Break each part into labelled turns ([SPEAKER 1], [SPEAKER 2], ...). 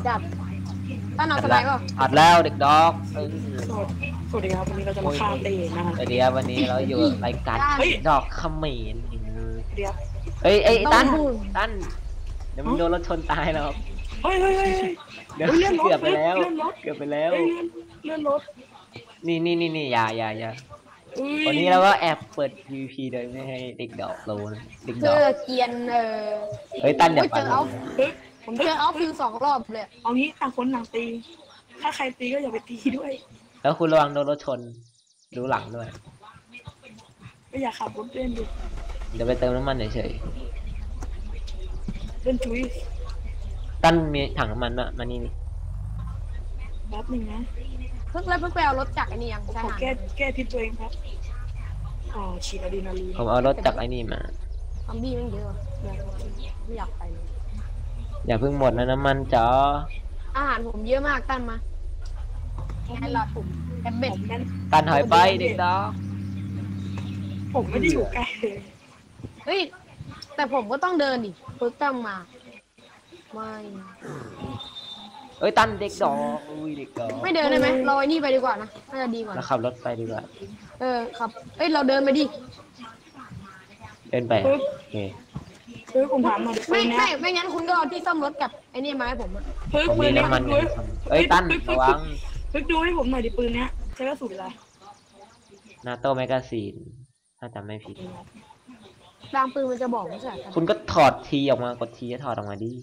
[SPEAKER 1] จัดตั้นเอาสไลด์ป่ะ
[SPEAKER 2] อัดแล้วเด็กดอก
[SPEAKER 3] สวัสดีครับวันนี้เราจะมาฆ่าเต้นะครับ
[SPEAKER 2] เดี๋ยววันนี้เราอยู่รายการดอกเขมร
[SPEAKER 3] เดี๋ยว
[SPEAKER 2] เฮ้ยตั้นเดี๋ยวมึงโดนรถชนตายแล้ว
[SPEAKER 3] เฮ้ย
[SPEAKER 2] เดี๋ยวเกือบไปแล้วเ
[SPEAKER 3] ลื่อนรถ
[SPEAKER 2] นี่อย่าวันนี้เราก็แอบเปิด PVP โดยไม่ให้เด็กดอกรู้นะเด็กดอก
[SPEAKER 1] เกียน
[SPEAKER 2] เฮ้ยตั้นเดี๋ยว
[SPEAKER 1] เจอผมเจอเอาฟิว2 รอบเลย
[SPEAKER 3] เอางี้ต่างคนต่างตีถ้าใครตีก็อย่าไปตีด้วย
[SPEAKER 2] แล้วคุณระวังโดนรถชนดูหลังด้วย
[SPEAKER 3] ไม่อยากขับรถเล่นดิ
[SPEAKER 2] เดี๋ยวไปเติมน้ำมันเฉย
[SPEAKER 3] เล่นจุ้ย
[SPEAKER 2] ตั้นมีถังน้ำมันมานี่
[SPEAKER 3] แป๊บนึงนะ
[SPEAKER 1] เพิ่งไปเอารถจากไอ้นี่ยังใช่
[SPEAKER 3] ไหมแก้พิษตัวเองครับฉีดอะดรีนาลีน
[SPEAKER 2] ผมเอารถจากไอ้นี่มา
[SPEAKER 1] ซอมบี้มันเยอะไม่อยากไปเลย
[SPEAKER 2] อย่าเพิ่งหมดนะน้ำมันจ๋อ
[SPEAKER 1] อาหารผมเยอะมากตั้นมาให้รอผมแอบเบ็ด
[SPEAKER 2] ตั้นถอยไปเด็กดอก
[SPEAKER 3] ผมไม่ได้อยู่ใกล้
[SPEAKER 1] เฮ้ยแต่ผมก็ต้องเดินดิเพิ่งตั้งมาไม่
[SPEAKER 2] เอ้ยตั้นเด็กดอกอุ้ยเด็กดอก
[SPEAKER 1] ไม่เดินได้ไหมเราไอ้นี่ไปดีกว่านะน่าจะดีกว่า
[SPEAKER 2] เราขับรถไปดีกว่า
[SPEAKER 1] ครับเอ้ยเราเดินไปดิ
[SPEAKER 2] เดินไปโอเค
[SPEAKER 3] ผมถามหน่อย
[SPEAKER 1] ไม่งั้นคุณก็เอาที่ซ่อมรถกับไอ้นี่มาให้ผม
[SPEAKER 2] ผมมีน้ำมันเอ้ยตั้นระวัง
[SPEAKER 3] ดูให้ผมหน่อยดิปืนเนี้ยใช้กระสุนอะไร
[SPEAKER 2] นาโต้แมกกาซีนถ้าจำไม่ผิด
[SPEAKER 1] บางปืนมันจะบอกไม่ใช่
[SPEAKER 2] คุณก็ถอดทีออกมากดทีจะถอดออกมาดิ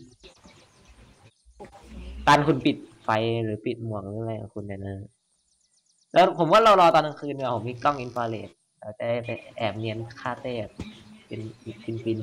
[SPEAKER 2] ตันคุณปิดไฟหรือปิดหมวกหรืออะไรของคุณเนี่ยนะแล้วผมว่าเรารอตอนกลางคืนเนี่ยผมมีกล้องอินฟราเรดเราจะไปแอบเนียนฆ่าเต้เป็นปิน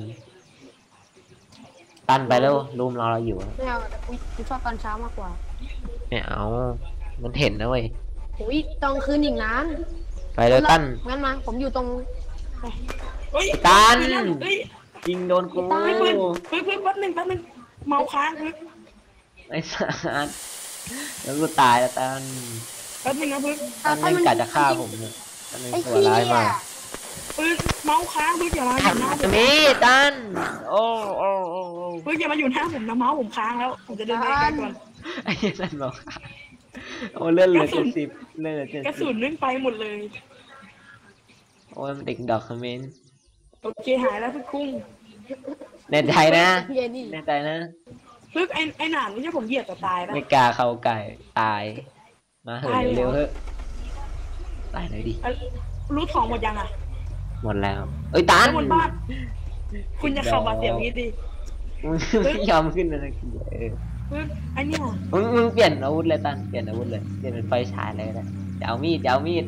[SPEAKER 2] ตันไปแล้วรูมรอเราอยู่
[SPEAKER 1] ไม่เอาแต่กูชอบตอนเช้ามากกว่า
[SPEAKER 2] ไม่เอามันเห็นนะเว้ย
[SPEAKER 1] โอ้ยตอนคืนอีกนาน
[SPEAKER 2] ไปเลยตั้น
[SPEAKER 1] งั้นมาผมอยู่ตรง
[SPEAKER 2] ตันยิงโดนกู
[SPEAKER 3] เพิ่งแป๊บนึงเมาค้าง
[SPEAKER 2] ไอ้สัสแล้วกูตายแล้วตัน
[SPEAKER 3] แป๊บนึงนะพึ่ง
[SPEAKER 2] ตันมันกัดจะฆ่าผมเนี่ยตันเป็นตัวร้ายมาก
[SPEAKER 3] พึ่งเมาค้างพึ่งอย่ามาอยู่หน้าผม
[SPEAKER 2] นี่ตันโอ้
[SPEAKER 3] พึ่งอย่ามาอยู่หน้าผมนะเมาผมค้างแล้วผมจะเดินไปไกลก่อน
[SPEAKER 2] ไอ้ตันบอกโอ้เลื่อนเหลือ70เลื่อนเหลือ70
[SPEAKER 3] กระสุนนึ่งไปหมดเลย
[SPEAKER 2] โอ้ยเด็กดอกคอมเมนต์
[SPEAKER 3] โอเคหายแล้วพึ่งคุ้ง
[SPEAKER 2] แน่ใจนะแน่ใจนะ
[SPEAKER 3] พึ่งไอ้หนามนี่จะผมเหยียบจะตายป่ะ
[SPEAKER 2] ไม่กล้าเข้าไก่ตายมาเถอะเร็วๆเถอะตายเลยดิ
[SPEAKER 3] รู้ของหมดยังอ่ะ
[SPEAKER 2] หมดแล้วเอ้ยตัน
[SPEAKER 3] บนบ้านคุณจะขับมาเสียงนี้ดิ
[SPEAKER 2] ไม่ยอมขึ้นเลย
[SPEAKER 3] ไอ้เนี่ย
[SPEAKER 2] มึงเปลี่ยนอาวุธเลยตันเปลี่ยนอาวุธเลยเปลี่ยนเป็นไฟฉายเลยนะจะเอามีด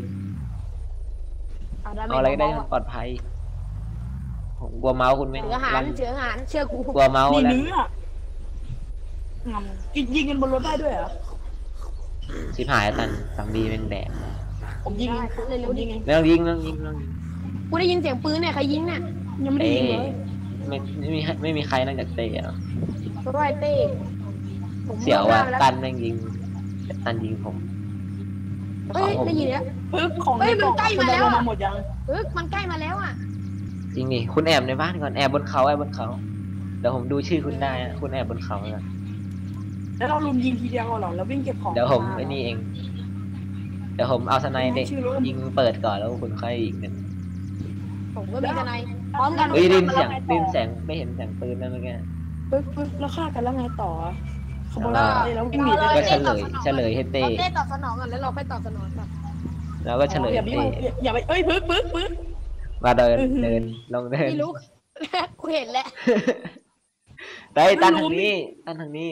[SPEAKER 2] เอาอะไรได้ปลอดภัยผมกลัวเมาส์คุณไม่
[SPEAKER 1] เชื้อหารเชื่อกู
[SPEAKER 2] กลัวเมาส์แล้ว
[SPEAKER 3] เนื้องำยิงกันบนรถได้ด้วยเหรอ
[SPEAKER 2] ชิบหายตันซัมบี้เป็นแดด
[SPEAKER 3] ผมยิงเร็วๆยิงไง
[SPEAKER 2] ไม่ต้องยิง
[SPEAKER 1] กูได้ยินเสียงปืนเนี่ยใครยิงเนี่ย
[SPEAKER 3] ยังไม่ได้ยิงเลย
[SPEAKER 2] ไม่มีใครนั่งจากเตะหรอ
[SPEAKER 1] ร้อยเต้
[SPEAKER 2] เสียวว่าตันแม่งยิงตันยิงผม
[SPEAKER 1] เฮ้ยได้ยินแล้ว
[SPEAKER 3] ของมันใกล้มาแล้วหมดยัง
[SPEAKER 1] มันใกล้มาแล้วอ่ะ
[SPEAKER 2] จริงนี่คุณแอบในบ้านก่อนแอบบนเขาเดี๋ยวผมดูชื่อคุณได้คุณแอบบนเขา
[SPEAKER 3] แล้วเราลุมยิงทีเดียวหรอแล้ววิ่งเก็บของ
[SPEAKER 2] เดี๋ยวผมไอ้นี่เองเดี๋ยวผมเอาสไนเด็กยิงเปิดก่อนแล้วคุณค่อยยิงกัน
[SPEAKER 1] ผมก็มีสไนพร้อมกัน
[SPEAKER 2] ได้ยินแสงไม่เห็นแสงปืนแล้วเมื่อกี้
[SPEAKER 3] แล้วฆ่ากันแล้วไงต่อขบวนแล้ววิ่งหนี
[SPEAKER 2] ก็เฉลยให้เต้
[SPEAKER 1] เต้ตอบสนองกันแล้วเราไปตอบสนองกัน
[SPEAKER 2] แล้วก็เฉลย
[SPEAKER 3] อย่าไปปึ๊ก
[SPEAKER 2] มาเดินลงเดิน
[SPEAKER 1] ไม่รู้กูเห็นแหละ
[SPEAKER 2] ได้ตันทางนี้นะทาง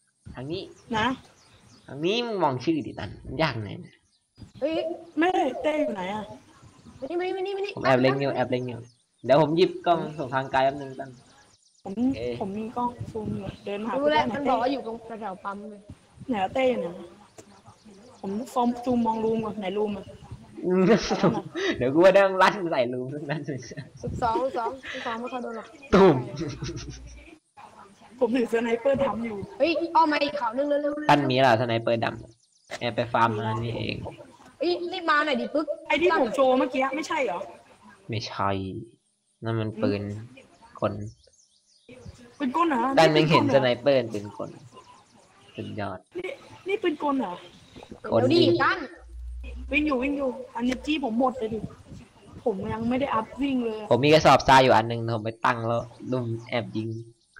[SPEAKER 2] นี้มึงมองชื่อดิตันยากไง
[SPEAKER 3] ไม่เต้อยู่ไหนอ่ะ
[SPEAKER 1] ไม่
[SPEAKER 2] ผมแอบเล็งอยู่เดี๋ยวผมหยิบกล้องส่งทางไกลแป๊บนึงตัน
[SPEAKER 3] ผมมีกล้องซูมอยู่เดินหา
[SPEAKER 1] ดูแลมันบอกว่าอยู่ตรงแถวปั๊มเลย
[SPEAKER 3] ไหนเต้เนี่ยผมซูมมองรูมก่อนไหนรูมอ่ะ
[SPEAKER 2] เดี๋ยวกูว่าได้ลั่นใส่รูมนั่น
[SPEAKER 1] 12ไม่ค่อยโดนหรอก
[SPEAKER 2] ตุ่ม
[SPEAKER 3] ผมถือสไนเปอร์ดำอยู่
[SPEAKER 1] เฮ้ยเอามาอีกข่าวนึงเร็ว
[SPEAKER 2] ๆตั้นมีล่ะสไนเปอร์ดำแอบไปฟาร์มมานี่เอง
[SPEAKER 1] รีบมาหน่อยดิปึ๊ก
[SPEAKER 3] ไอ้ที่ผมโชว์เมื่อกี้ไม่ใช่เหรอ
[SPEAKER 2] ไม่ใช่นั่นมันปืนคน
[SPEAKER 3] เป็นก้นเหรอ
[SPEAKER 2] ตั้นไม่เห็นสไนเปอร์เป็นคนสุดยอด
[SPEAKER 3] นี่ปืนกลเหรอ
[SPEAKER 2] คน
[SPEAKER 1] เดี๋ยวดิ
[SPEAKER 2] ยิง
[SPEAKER 1] ตั้น
[SPEAKER 3] วิ่งอยู่อันนี้จี้ผมหมดเลยดิผมยังไม่ได้อัพวิ่งเลย
[SPEAKER 2] ผมมีกระสอบทรายอยู่อันหนึงผมไปตั้งแล้วลุมแอบยิง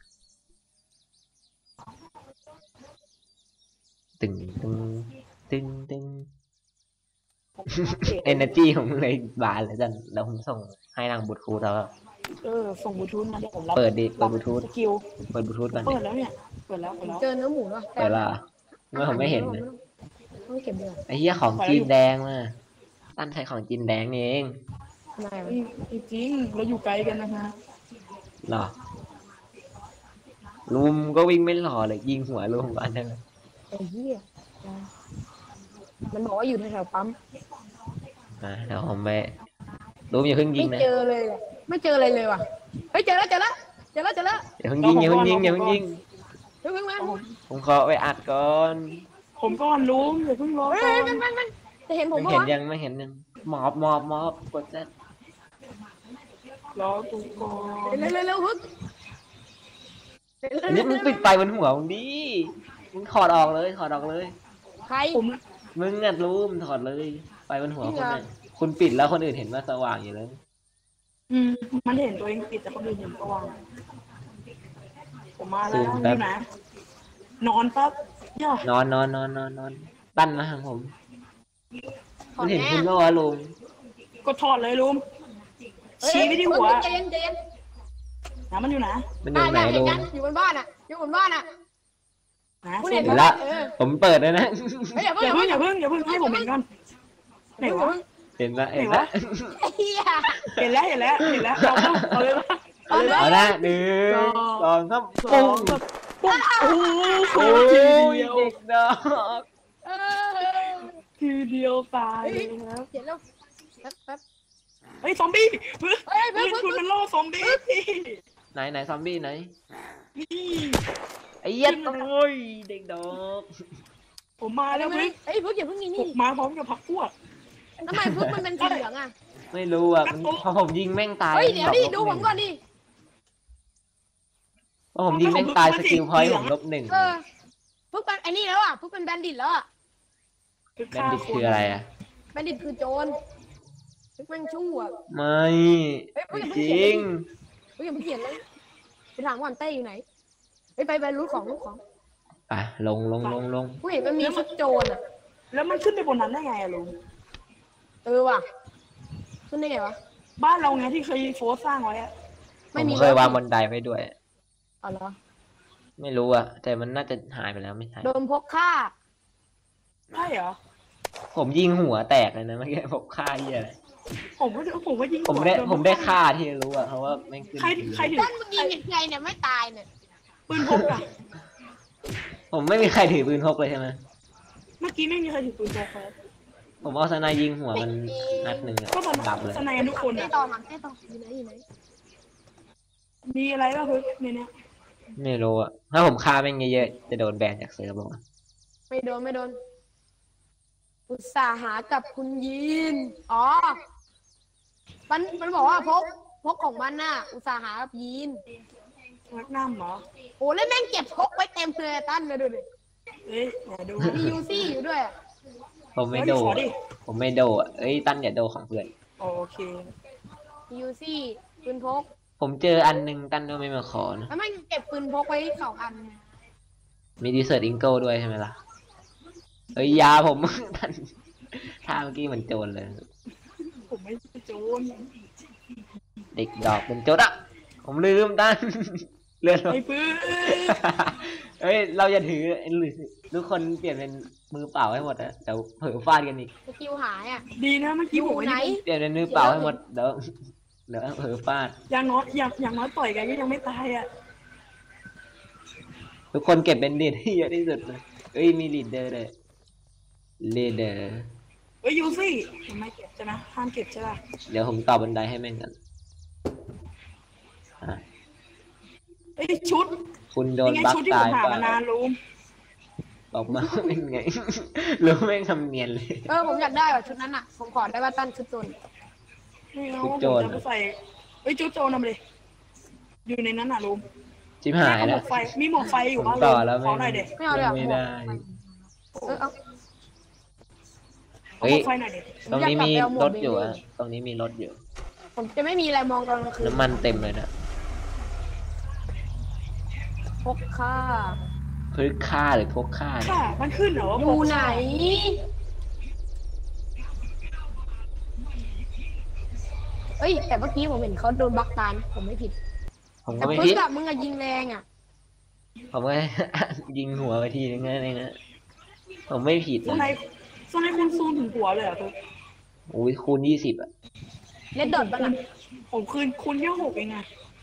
[SPEAKER 2] ตึงตึงตึงตึง
[SPEAKER 3] ผมอัปเดต
[SPEAKER 2] เอเนอร์จีผมเลยบานเลยจันแล้วผมส่งให้นางบุตรครูแล้ว
[SPEAKER 3] ส่งบลูทูธมาเดี๋ยวผมรับ
[SPEAKER 2] เปิดดิเปิดบลูทูธ
[SPEAKER 3] สกิล
[SPEAKER 2] เปิดบลูทูธก่อน
[SPEAKER 3] เปิดแล้วเนี่ยเปิดแล้ว
[SPEAKER 1] เจอเนื้อหมูเนาะ
[SPEAKER 2] เปิดละเมื่อผมไม่เห็นนะ
[SPEAKER 1] ต้องเก็บเดือด
[SPEAKER 2] ไอ้เหี้ยของจีนแดงมาตั้นใช้ของจีนแดงนี่เอง
[SPEAKER 1] ทำไมวะ
[SPEAKER 3] จริงเราอยู่ไกลกันนะฮะ
[SPEAKER 2] หรอลุมก็วิ่งไม่หล่อเลยยิงหัวลุมอันนั้น
[SPEAKER 1] ไอ้เหี้ยมันบอกว่าอยู่แถวๆปั๊ม
[SPEAKER 2] เดี๋ยวผมไปลุมอย่าเพิ่งยิง
[SPEAKER 1] ไม่
[SPEAKER 2] นะ
[SPEAKER 1] เจอเลยอะไม่เจออะไรเลยว่ะเฮ้ยเจอแล้ว
[SPEAKER 2] อย่าเพิ่งยิงอย่าเพิ่งยิงอย่าเพิ่งยิง
[SPEAKER 1] เฮ้ยมา
[SPEAKER 2] ผมขอไปอัดก่อน
[SPEAKER 3] ผมก่อนลุงอย่าเพิ่งรอ
[SPEAKER 1] เฮ้ย
[SPEAKER 3] ก่อน
[SPEAKER 1] มันจะเห็นผม
[SPEAKER 2] ไม่
[SPEAKER 1] ปะ
[SPEAKER 2] เห็น
[SPEAKER 1] วะ
[SPEAKER 2] ยังไม่เห็นยังมอบกดเซต
[SPEAKER 3] รอกูก่อน
[SPEAKER 1] เร็วฮึก
[SPEAKER 2] อันนี้มึงปิดไฟบนหัวมึงดิมึงถอดออกเลยถอดออกเลย
[SPEAKER 1] ใคร
[SPEAKER 3] ผม
[SPEAKER 2] มึงอัดรูมถอดเลยไฟบนหัวคนน่ะคุณปิดแล้วคนอื่นเห็นว่าสว่างอยู่เลย
[SPEAKER 3] มันเห็นตัวเองปิดแต่คนอื่นเห็นสว่างผมมาแล้วอยู่ไหนนอนปั๊บย่อน
[SPEAKER 2] อนตั้นมาทางผม
[SPEAKER 1] ถอ
[SPEAKER 2] มั
[SPEAKER 1] ด
[SPEAKER 2] นเห็น
[SPEAKER 1] แน่
[SPEAKER 2] คุณว่าลุง
[SPEAKER 3] ก็ถอดเลยลุงชี้ไปที่หัว
[SPEAKER 1] เจน
[SPEAKER 3] นะมันอยู่ไหน
[SPEAKER 2] มันอยู่ไหน
[SPEAKER 1] เห็
[SPEAKER 2] ลุ
[SPEAKER 1] น
[SPEAKER 2] ง
[SPEAKER 1] กันอยู่บนบ้านอ่ะอยู่บนบ้านอ่ะ
[SPEAKER 3] นะ
[SPEAKER 1] คุณ
[SPEAKER 3] เห็
[SPEAKER 1] เห็
[SPEAKER 3] น
[SPEAKER 1] น
[SPEAKER 2] เห็น
[SPEAKER 1] ปะ
[SPEAKER 2] ละ
[SPEAKER 1] เออ
[SPEAKER 2] ผมเปิดเลยนะ
[SPEAKER 1] เฮ้ยอย่า
[SPEAKER 3] อย่า
[SPEAKER 1] เพิ่
[SPEAKER 3] เพิ่
[SPEAKER 1] ง
[SPEAKER 3] งอย่าเพิ่งให้ผมเห็นก่อนไหนวะ
[SPEAKER 2] เห็นละ
[SPEAKER 3] ไหน
[SPEAKER 2] เห็น
[SPEAKER 3] วะ
[SPEAKER 2] ละ
[SPEAKER 1] เฮีย
[SPEAKER 3] เห็นแล้วเอาเลยปะ
[SPEAKER 2] เอาละหนึ่งสองสาม
[SPEAKER 3] สอ
[SPEAKER 2] ปุ้
[SPEAKER 3] ง
[SPEAKER 2] ง
[SPEAKER 3] แบบปุ๊บโอ้โห
[SPEAKER 2] โอ้ย
[SPEAKER 3] ทีเดียว
[SPEAKER 2] เด็กดอก
[SPEAKER 1] เออ
[SPEAKER 3] ทีเดียวตายเลยครับ
[SPEAKER 1] เขียนแล้วแป๊บ
[SPEAKER 3] เฮ้ยซอมบี้ปืน
[SPEAKER 1] เฮ้ย
[SPEAKER 3] ปืนคุณมันล่อซอมบี้
[SPEAKER 2] ไหนซอมบี้ไหน
[SPEAKER 3] นี่
[SPEAKER 2] ไอ้เหี้ยโอ้ยเด็กดอก
[SPEAKER 3] ผมมาแล้วพึ่ง
[SPEAKER 1] เฮ้ยพึ่งอย่าพึ่งนี่
[SPEAKER 3] ผ
[SPEAKER 1] นี่
[SPEAKER 3] มมาพร้อมกับพักพวก
[SPEAKER 1] ทำไมพึ่งมันเป็นสีเหลืองอ่ะ
[SPEAKER 2] ไม่รู้อ่ะมันพอผมยิงแม่งตาย
[SPEAKER 1] เฮ้ยเดี๋ยวดิดูผมก่อนดิ
[SPEAKER 2] พอผมยิงแม่งตายสกิลพอยต์ผม-1
[SPEAKER 1] เออพึ่งเป็นไอ้นี่แล้วอ่ะพึ่งเป็นแบนดิตแล้วอ่ะ
[SPEAKER 2] แบนดิตคืออะไรอ่ะ
[SPEAKER 1] แบนดิตคือโจรพึ่งแม่งชั่ว
[SPEAKER 2] ไม่จริง
[SPEAKER 1] พึ่งอย่าเพิ่งเขียนเลยไปถามก่อนเต้อยู่ไหนไปรู้ของ
[SPEAKER 2] อ่ะลง
[SPEAKER 1] กูเห็นมันมีชุดโจรอ่ะ
[SPEAKER 3] แล้วมันขึ้นไปบนนั้นได้ไงอะลุง
[SPEAKER 1] เออว่ะขึ้นได้ไงวะ
[SPEAKER 3] บ้านเราไงที่เคยโฟร์สร้างไว้อะ
[SPEAKER 2] ผมเคยวางบันไดไว้ด้วย
[SPEAKER 1] อ๋อเหรอ
[SPEAKER 2] ไม่รู้อ่ะ แต่มันน่าจะหายไปแล้วไม่ใช่
[SPEAKER 1] โดนพกฆ่า
[SPEAKER 3] ใช่เหรอ
[SPEAKER 2] ผมยิงหัวแตกเลยนะเมื่อกี้ผมฆ่าเหี้ยอะไร
[SPEAKER 3] ผมก็ยิง
[SPEAKER 2] ผมได้ฆ่าที่รู้อ่ะเพราะว่าแม่งขึ้น
[SPEAKER 3] ใครถือ
[SPEAKER 1] ด้านมึงยิงยังไงเนี่ยไม่ตายเนี่ย
[SPEAKER 3] ปืนพกอะ
[SPEAKER 2] ผมไม่มีใครถือปืนพกเลยใช่ไหม
[SPEAKER 3] เมื่อกี้ไม่มีใครถือปืนพกเลย
[SPEAKER 2] ผมเอาสไนยิงหัวมันนัดหนึ่งอะ
[SPEAKER 3] ก็ตอน
[SPEAKER 2] ดับเลย
[SPEAKER 3] สนายกันทุกคน
[SPEAKER 1] เต้
[SPEAKER 3] อะ
[SPEAKER 1] ต่อมันเต้ต่ออยู่ไหน
[SPEAKER 3] มีอะไรบ้างพึ่งในเนี้ย
[SPEAKER 2] ไม่รู้อ่ะถ้าผมฆ่าแม่งเยอะๆจะโดนแบนจากเซิร์ฟบอก
[SPEAKER 1] ไม่โดนอุตส่าห์หากับคุณยีนอ๋อมันบอกว่าพกของมันน่ะ อุตส่าห์หากับยีน
[SPEAKER 3] รักน้ำเหรอ
[SPEAKER 1] โอ้แล้วแม่งเก็บพกไว้เต็มเลยตั้นเลยดูดิ
[SPEAKER 3] เอ้ยไหนดู
[SPEAKER 1] มียูซี่อยู่ด้วยอะ
[SPEAKER 2] ผมไม่โด
[SPEAKER 3] ขอดิ
[SPEAKER 2] ผมไม่โดอ่ะเอ้ยตั้นอย่าโดของเพื่อน
[SPEAKER 3] โอเค
[SPEAKER 1] มียูซี่ปืนพก
[SPEAKER 2] ผมเจออันหนึงตั้นก็ไม่มาขอนะ
[SPEAKER 1] แล้วแม่งเก็บปืนพกไว้2 อัน
[SPEAKER 2] มีดีเซอร์อิงเกิลด้วยใช่ไหมล่ะเอ้ยยาผม ตั้นท่าเมื่อกี้เหมือนโจรเลย
[SPEAKER 3] ผมไม่ใช่โจร
[SPEAKER 2] เด็กดอกเป็นโจรอ่ะผมลืมตั้น เลื่อน
[SPEAKER 3] ไอ้ปืน
[SPEAKER 2] เฮ้ยเราอย่าถือทุกคนเปลี่ยนเป็นมือเปล่าให้หมดอะเดี๋ยวเผลอฟาดกันอีก
[SPEAKER 1] สกิลหายอ่ะ
[SPEAKER 3] ดีนะเมื่อ
[SPEAKER 1] อ
[SPEAKER 3] กี้
[SPEAKER 1] ยู่
[SPEAKER 3] ผม
[SPEAKER 1] ไหน
[SPEAKER 2] เปลี่ยนเป็นมือเปล่าให้หมดเดี๋ยวเผลอฟาด
[SPEAKER 3] อย่างน้อยต่อยกันก็ยังไม่ตายอ่ะ
[SPEAKER 2] ทุกคนเก็บเป็นลีดที่เยอะที่สุดเลยเอ้ยมีลีดเดอร์เลยลีดเดอร์
[SPEAKER 3] เอ้ยยูซี่ผมไม่เก็บใช่ไหมห้ามเก็บใช่ป่ะ
[SPEAKER 2] เดี๋ยวผมต่อบันไดให้แม่งกันอ่ะ
[SPEAKER 3] เอ้ยชุด
[SPEAKER 2] คุณโดน
[SPEAKER 3] ยังไง
[SPEAKER 2] บัฟ
[SPEAKER 3] ชุดที่ผ
[SPEAKER 2] ตาม ย
[SPEAKER 3] หา
[SPEAKER 2] เป
[SPEAKER 3] มานา
[SPEAKER 2] ล่าน
[SPEAKER 3] ลุง
[SPEAKER 2] บอกมาว่าเป็นไง รู้แม่งทำเนียนเลย
[SPEAKER 1] ผมอยากได้ว่ะชุดนั้นอ่ะผมขอได้ว่าตั้นชุดโจร
[SPEAKER 3] ไม่เอา
[SPEAKER 2] ชุด
[SPEAKER 3] ผม
[SPEAKER 2] โจร
[SPEAKER 3] จะไปใส่เอ้ยชุดโจรนำเลยอยู่ในนั้นน่ะลุง
[SPEAKER 2] ชิบหาย
[SPEAKER 3] หม
[SPEAKER 2] แล้ว
[SPEAKER 3] วกไฟมีหมวกไฟอยู่
[SPEAKER 2] ผม
[SPEAKER 3] บ้าง
[SPEAKER 2] ต่อแล้ว
[SPEAKER 3] ขอหน่อยเด็ก
[SPEAKER 1] ไม่เอาเลยเหรอ
[SPEAKER 2] ไม่ได้
[SPEAKER 1] เอา
[SPEAKER 3] เอาหมวกไฟหน่อยเด็ก
[SPEAKER 2] ตรงนี้มี
[SPEAKER 1] อยากกลับไปเอาหมว
[SPEAKER 2] ร
[SPEAKER 1] ก
[SPEAKER 2] ถอยู่
[SPEAKER 1] เบบี้
[SPEAKER 2] อะตรงนี้มีรถอยู่
[SPEAKER 1] ผมจะไม่มีอะไรมองตอนกลางคืน
[SPEAKER 2] น้ำมันเต็มเลยนะ
[SPEAKER 1] พกค่า
[SPEAKER 2] พื้นค่าหรือพกค่าเนี่ย
[SPEAKER 3] ค่ะมันขึ้นเหรอว่า
[SPEAKER 1] อยู่ไหน เอ้ย แต่เมื่อกี้ผมเห็นเขาโดนบล็อกตายนะผมไม่ผิด
[SPEAKER 2] ผม
[SPEAKER 1] แต่
[SPEAKER 2] ก็ไม่
[SPEAKER 1] ปึ๊
[SPEAKER 2] ผิ
[SPEAKER 1] ก
[SPEAKER 2] ด
[SPEAKER 1] อะมึงอะยิงแรงอะ
[SPEAKER 2] ผมก็ ยิงหัวไปทีนึงนั่นเองนะผมไม่ผิด
[SPEAKER 3] โซนไหน
[SPEAKER 2] นะ
[SPEAKER 3] โซนไหนคุณซูมถึงหัวเลยเหรอคือ
[SPEAKER 2] โอ้ยคูณ20อะ
[SPEAKER 1] เล็ดดอทบ้างอะ
[SPEAKER 3] ผมคืนคุณแค่6เองไง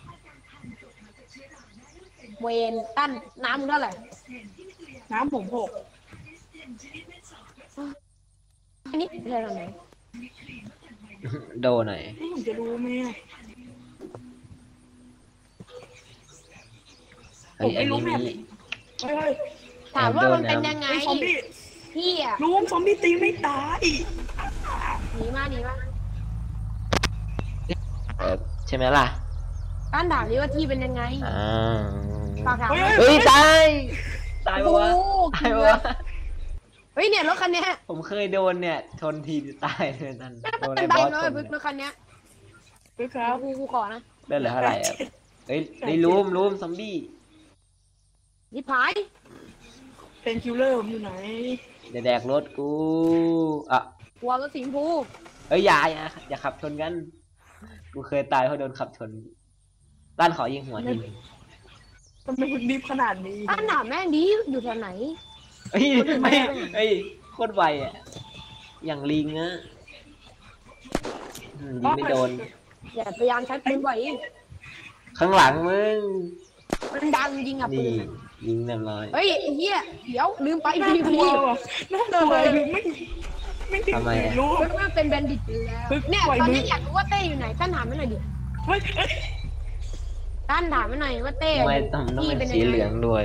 [SPEAKER 1] เวนตั้นน้ำมึงเท่าไหร่
[SPEAKER 3] น้ำผม6
[SPEAKER 1] อันนี้เท่าไหร่
[SPEAKER 2] โดนหน่อย
[SPEAKER 3] นี่ผมจะรู้ไหมอะ
[SPEAKER 2] เฮ้ย
[SPEAKER 3] ผมไม่
[SPEAKER 2] อัน
[SPEAKER 3] รู้
[SPEAKER 2] นี้
[SPEAKER 3] แม
[SPEAKER 2] มี
[SPEAKER 3] ป เฮ้ย
[SPEAKER 1] ถามว่ามันเป็นยังไง
[SPEAKER 3] ไอ้ซอมบี้
[SPEAKER 1] พี่อะ
[SPEAKER 3] ลุงซอมบี้ตีไม่ตาย
[SPEAKER 1] หนีมาหนีมา
[SPEAKER 2] ใช่ไหมล่ะ
[SPEAKER 1] ตั้นถามดิว่าที่เป็นยังไง
[SPEAKER 2] อ่า
[SPEAKER 1] ฝากถาม
[SPEAKER 2] เฮ้ยตายตาย
[SPEAKER 1] โอ้
[SPEAKER 2] ปะ
[SPEAKER 1] โห
[SPEAKER 2] วะตายปะวะ
[SPEAKER 1] เฮ้ยเนี่ยรถคันเนี้ย
[SPEAKER 2] ผมเคยโดนเนี่ยชนทีตายเลยนั่น
[SPEAKER 1] น่า
[SPEAKER 2] โดน
[SPEAKER 1] เป็
[SPEAKER 2] ไอ้
[SPEAKER 1] นใบบ
[SPEAKER 2] อส
[SPEAKER 1] เล
[SPEAKER 2] ช
[SPEAKER 1] ย
[SPEAKER 2] น
[SPEAKER 1] รถคันเนี้ย
[SPEAKER 3] คือครับ
[SPEAKER 1] กูขอนะ
[SPEAKER 2] ได้เหลือเท่าไหร่อะเฮ้ยได้รูมซอมบี้
[SPEAKER 1] นี่ผาย
[SPEAKER 3] เป็นคิลเลอร์ผมอยู่ไหน
[SPEAKER 2] เดี๋ยวแดกรถกูอ่ะ
[SPEAKER 1] หัวรถสีชมพู
[SPEAKER 2] เอ้ยอย่าขับชนกัน กูเคยตายเพราะโดนขับชนด้านขอยิงหัวทีนึง
[SPEAKER 3] ทำไมคุณรีบขนาดนี้
[SPEAKER 1] ตั้นถามแม่งดิอยู่แถวไหน
[SPEAKER 2] เฮ้ยเฮ้ยโคตรไวอ่ะอย่างลิงอะยิงไม่โดน
[SPEAKER 1] อย่าพยายามใช้ปืนบ่อย
[SPEAKER 2] ข้างหลังมึง
[SPEAKER 1] มันดังจริงอ่ะปื
[SPEAKER 2] นี่
[SPEAKER 1] นอะ
[SPEAKER 2] ยิงเรียบร้อย
[SPEAKER 1] เฮ้ยไอ้เหี้ยเดี๋ยวลืมไป
[SPEAKER 3] น่า
[SPEAKER 1] พี่
[SPEAKER 3] กลั
[SPEAKER 1] พี่
[SPEAKER 3] วว่ะน่ากลัวคือไม่ถึง
[SPEAKER 2] ทำไมอะ
[SPEAKER 3] รู้
[SPEAKER 1] เฮ้ยมันเป็นแบนดิตไปแล้ว
[SPEAKER 3] ปึ๊ก
[SPEAKER 1] เนี่ย
[SPEAKER 3] ปล่อย
[SPEAKER 1] ตอน
[SPEAKER 3] มือ
[SPEAKER 1] นี้อยากรู้ว่าเต้อยู่ไหนตั้นถามไม่หน่อยดิ
[SPEAKER 3] เฮ้ย
[SPEAKER 1] ตั้นถามไม่หน่อยว่าเต้
[SPEAKER 2] ทำไมต้องเป็นสีเหลืองด้วย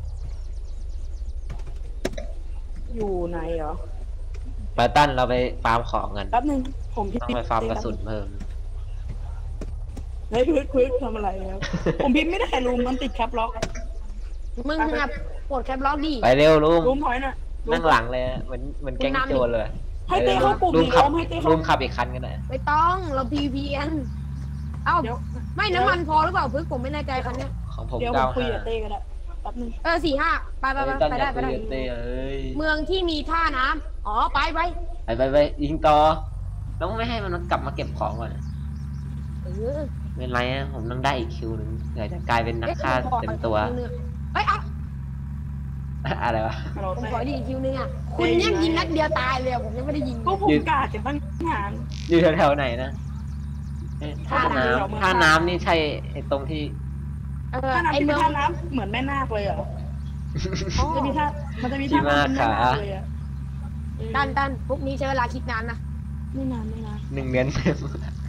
[SPEAKER 3] อยู่ไหนเหรอ
[SPEAKER 2] ไปตั้นเราไปฟาร์มของกัน
[SPEAKER 3] แป๊บนึงผมพิม
[SPEAKER 2] ต้องไปฟาร์มกระสุนเพิ่ม
[SPEAKER 3] เฮ้ยพื้นทำอะไรครับ ผมพิมพ์ไม่ได้ลุงมันติดแคปล็อก
[SPEAKER 1] มึงอะปวดแคปล็อกดิ
[SPEAKER 2] ไปเร็วลุง
[SPEAKER 3] ลุงถอยหน่อยลุ
[SPEAKER 2] นั่งหลังเลยอะเหมือนแก๊งโจรเลย
[SPEAKER 3] ให้เต้เข้าปุ่ม
[SPEAKER 2] ลุง
[SPEAKER 3] นี้
[SPEAKER 2] ขับ
[SPEAKER 3] ล้มให้เต้
[SPEAKER 2] ลุ
[SPEAKER 3] เข้าง
[SPEAKER 2] ขับอีกคันกันหน่อย
[SPEAKER 1] ไม่ต้องเรา PVN เอ้า
[SPEAKER 3] เดี๋ยว
[SPEAKER 1] ไม่น้ำมันพอหรือเปล่าพึ่งผมไม่แน่ใจคันเนี้ย
[SPEAKER 2] ของผม
[SPEAKER 3] เดี๋ยวผมคุยกับ
[SPEAKER 2] 95
[SPEAKER 3] เต้ก็ได้แป๊บนึง
[SPEAKER 1] 4-5ไป
[SPEAKER 2] เฮ้ยตั้น
[SPEAKER 1] ไป
[SPEAKER 2] อ
[SPEAKER 1] ได้
[SPEAKER 2] ยาก
[SPEAKER 1] ไป
[SPEAKER 2] คุย
[SPEAKER 1] ได้
[SPEAKER 2] กับเต้เอ้ย
[SPEAKER 1] เมืองที่มีท่าน้ำอ๋อไป
[SPEAKER 2] ไปยิงต่อต้องไม่ให้มันกลับมาเก็บของก่อน
[SPEAKER 1] เออ
[SPEAKER 2] ไม่เป็นไรอะผมต้องได้อีกคิวหนึ่งเดี๋ยวจะกลายเป็นนักฆ่าเต็มตัว
[SPEAKER 1] เฮ้ยเอา
[SPEAKER 2] อะไรวะ
[SPEAKER 3] ฮัลโหล
[SPEAKER 1] ผม
[SPEAKER 3] เต้
[SPEAKER 1] ขอดีอีกคิวนึงอ่ะคุณยังยิงนัดเดียวตายเลยอะผมยังไม่ได้ยิง
[SPEAKER 3] ก็ผมกาดจะตั้งหาง
[SPEAKER 2] อยู่แถวๆไหนนะเอ๊ะท่า
[SPEAKER 3] ท่าน้ำ
[SPEAKER 2] ท่าน้ำนี่ใช่ไอ้ตรงที่
[SPEAKER 3] ท่าน้ำ
[SPEAKER 1] ไอ
[SPEAKER 3] ที่
[SPEAKER 1] เมื
[SPEAKER 3] เป็น
[SPEAKER 1] อง
[SPEAKER 3] ท่าน้ำเหมือนแม่นาคเลยเหรอ
[SPEAKER 1] อ๋อ
[SPEAKER 3] จะมีท่ามันจะมีท่าน้ำเป็นแม่นาคเลยอ่ะ
[SPEAKER 1] ตันพวกนี้ใช้เวลาคิดนานนะ
[SPEAKER 3] ไม่นานไม่นาน
[SPEAKER 2] 1 เดือนเต็ม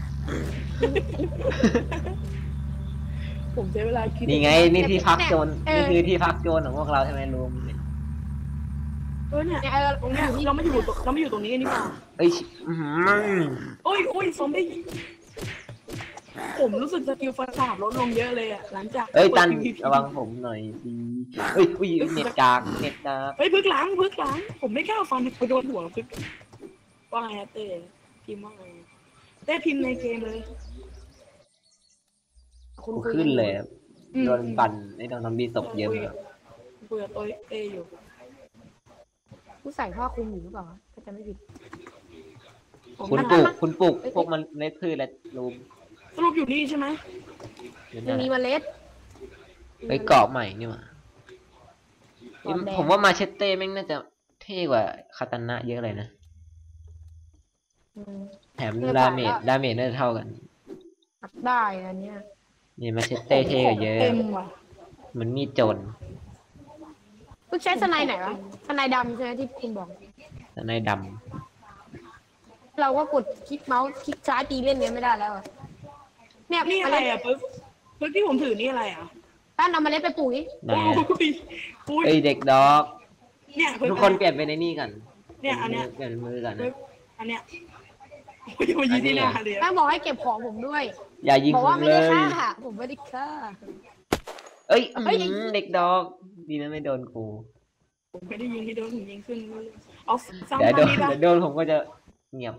[SPEAKER 3] ผมใช้เวลาคิด
[SPEAKER 2] นี่ไงนี่ที่พักโจรนี่คือที่พักโจรของพวกเราใช่ไหมลุง
[SPEAKER 3] เนี่ย
[SPEAKER 1] เนี่ย
[SPEAKER 3] ตรงเนี้ยเราไม่อยู่ตรงนี้กันนี่หว่า
[SPEAKER 2] เอ้ยอื้อหือ
[SPEAKER 3] โอ้ยซอมบี้ผมรู้สึกสกิลฟันดาบลดลงเยอะเลยอ่ะหลังจาก
[SPEAKER 2] เอ้ยตัน
[SPEAKER 3] เปิด PVP
[SPEAKER 2] ระวังผมหน่อยสิเอ้ยอุ้ยเน็ตกาก
[SPEAKER 3] เฮ้ยพึกหลังผมไม่กล้าฟันไปโดนหัวพึกว่าไงอะเต้พิมพ์ว่าไงเต้พิมพ์ในเกมเลย
[SPEAKER 1] คุณ
[SPEAKER 2] กู
[SPEAKER 1] คุย
[SPEAKER 2] ขึ้นเลยอะ
[SPEAKER 3] อืม
[SPEAKER 2] โดนปั่นไอ้โดนซอมบี้ตกเยอะเลย
[SPEAKER 3] คุยกับตัวเต้อยู่
[SPEAKER 1] ผู้ใส่ผ้าคลุมอยู่หรือเปล่าถ้าจะไม่ผิด
[SPEAKER 2] คุณปลูกพวกมันเล็ดพืชและลุง
[SPEAKER 3] สรุปอยู่นี่ใช่ไหม
[SPEAKER 2] อยู่
[SPEAKER 1] ยั
[SPEAKER 2] นั่
[SPEAKER 1] ง
[SPEAKER 2] น
[SPEAKER 1] มี
[SPEAKER 2] แหละ
[SPEAKER 1] เมล็ด
[SPEAKER 2] เฮ้ยเกาะใหม่นี่หว่า
[SPEAKER 1] เกาะแดง
[SPEAKER 2] ผมว่ามาเชตเต้แม่งน่าจะเท่กว่าคาตานะเยอะเลยนะ
[SPEAKER 1] อืม
[SPEAKER 2] แถม
[SPEAKER 1] เท่กว่า
[SPEAKER 2] ดาเมจน่าจะเท่ากัน
[SPEAKER 1] อัดได้อันเนี้ย
[SPEAKER 2] นี่มาเชตเต้เท่กว่าเยอะ
[SPEAKER 3] เต็มว่ะ
[SPEAKER 2] เหมือนมีดโจร
[SPEAKER 1] พึ่งใช้สไนด์ไหนวะสไนด์ดำใช่ไหมที่คุณบอก
[SPEAKER 2] แต่ในด
[SPEAKER 1] เราก็กดคลิกเมาส์คลิกซ้ายตีเล่นเนี้ยไม่ได้แล้วอะเนี่ย
[SPEAKER 3] นี่
[SPEAKER 1] เม
[SPEAKER 3] อะไร
[SPEAKER 1] ล็ด
[SPEAKER 3] อ่ะปึ๊กที่ผมถือนี่อะไรอ่ะ
[SPEAKER 1] ตั้นเอาเมล็ดไปปลูกดิ
[SPEAKER 2] ำไหน
[SPEAKER 3] อุ้ย
[SPEAKER 2] เอ้ยเด็กดอก
[SPEAKER 3] เนี่ยปึ๊
[SPEAKER 2] ทุกคนเปลี่ยนไปในนี่กัน
[SPEAKER 3] เนี่ยอันเนี้ย
[SPEAKER 2] เปลี่ยนมือกัน
[SPEAKER 3] ปึ๊
[SPEAKER 2] นะ
[SPEAKER 3] กอันเนี้ยโอ้ยมายีที่หน้าเลย
[SPEAKER 1] ตั้งบอกให้เก็บของผมด้วย
[SPEAKER 2] อย่ายิง
[SPEAKER 1] บอก
[SPEAKER 2] ผ
[SPEAKER 1] ว่าม ไม่
[SPEAKER 2] เล
[SPEAKER 1] ได้
[SPEAKER 2] ย
[SPEAKER 1] ฆ่าผมไม่ได้ฆ่า
[SPEAKER 2] เอ้ยเด็กดอกดีนะไม่โดนกู
[SPEAKER 3] ผมไม่ได้ยิงที่โดนผมยิงขึ้นเอาสร้าง
[SPEAKER 2] เดี๋ยว
[SPEAKER 3] บ้านนี้ปะ
[SPEAKER 2] เดี๋ยวโดนผมก็จะเงียบ